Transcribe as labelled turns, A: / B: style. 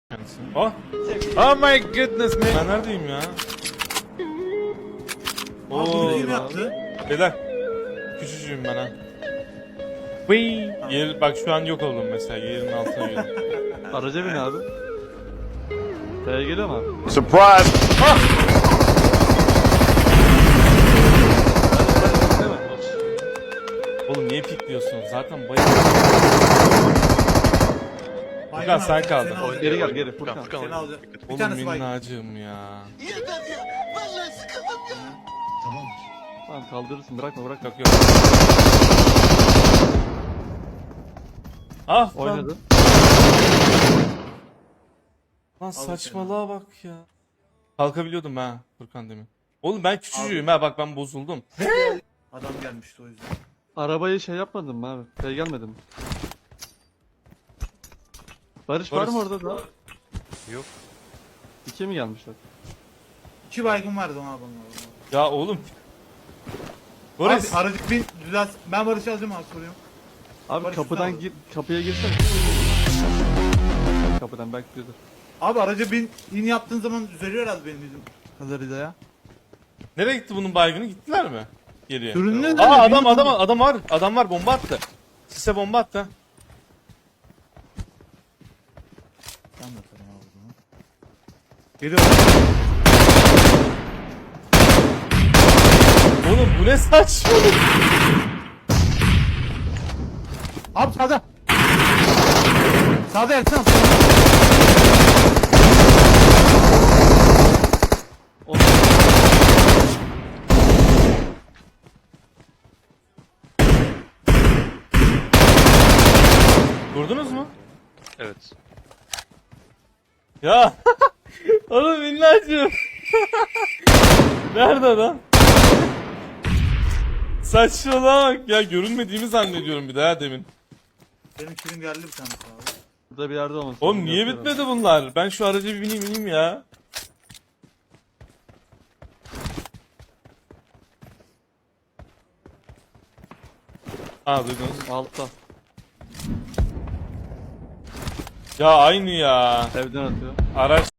A: Oh. Oh my goodness man. Ben neredeyim ya?
B: Bunu kim yaptı?
A: Beyler. Küçücüğüm ben ha. Vıy. Yer, bak şu an yok oldum mesela. Yerin altına girdim.
C: Araca bin abi. T'ye geliyor mu abi?
D: Surprise!
A: Ah!
C: Değil mi?
A: Oğlum niye pikliyorsun? Zaten bayıldım. Furkan sen kaldın.
B: Seni alacak.
C: Geri gel geri Furkan.
B: Seni alacak. Bir
A: Oğlum
B: tanesi bay.
A: minnacığım ya.
C: Tamam kaldırırsın bırakma bırak.
A: Yok yok. Ah lan.
C: Oynadı.
A: Lan saçmalığa bak ya. Kalkabiliyordum ha Furkan demin. Oğlum ben küçücüğüm ha, bak ben bozuldum.
B: Adam gelmişti o yüzden.
C: Arabayı şey yapmadın mı abi? T'ye gelmedin mi? Barış var
A: Barış.
C: mı orada da?
D: Yok.
C: İki mi gelmişler?
B: 2 baygın vardı ona abone.
A: Ya oğlum. Boris.
B: Abi aracı bin düzelt. Ben Barış'ı alacağım abi soruyorum.
C: Abi
B: Barış
C: kapıdan
B: üstüne
C: gir, kapıya girsene. Kapıdan belki diyordur.
B: Abi aracı bin in yaptığın zaman düzeliyor herhalde benim bizim kadarıyla ya.
A: Nereye gitti bunun baygını? Gittiler mi? Geriye.
B: Sürünüyor
A: Aa
B: değil mi?
A: adam var. Adam var, bomba attı. Sise bomba attı.
B: Ben de atarım abi bunu. Geliyor.
A: Oğlum bu ne saçmalık?
B: Abi sağda. Sağda Ertan.
A: Vurdunuz mu?
D: Evet.
A: Ya. Oğlum minnacığım. Nerede adam? Saçmalığa bak ya, görünmediğimi zannediyorum bir daha demin.
B: Benim kilim geldi bir tanesi abi.
C: Burada bir yerde olması
A: Oğlum
C: lazım,
A: niye
C: yapıyorum.
A: bitmedi bunlar? Ben şu araca bir bineyim ya. Ha duydunuz.
C: Altta.
A: Ya aynı ya.
C: Evden atıyor.
A: Araç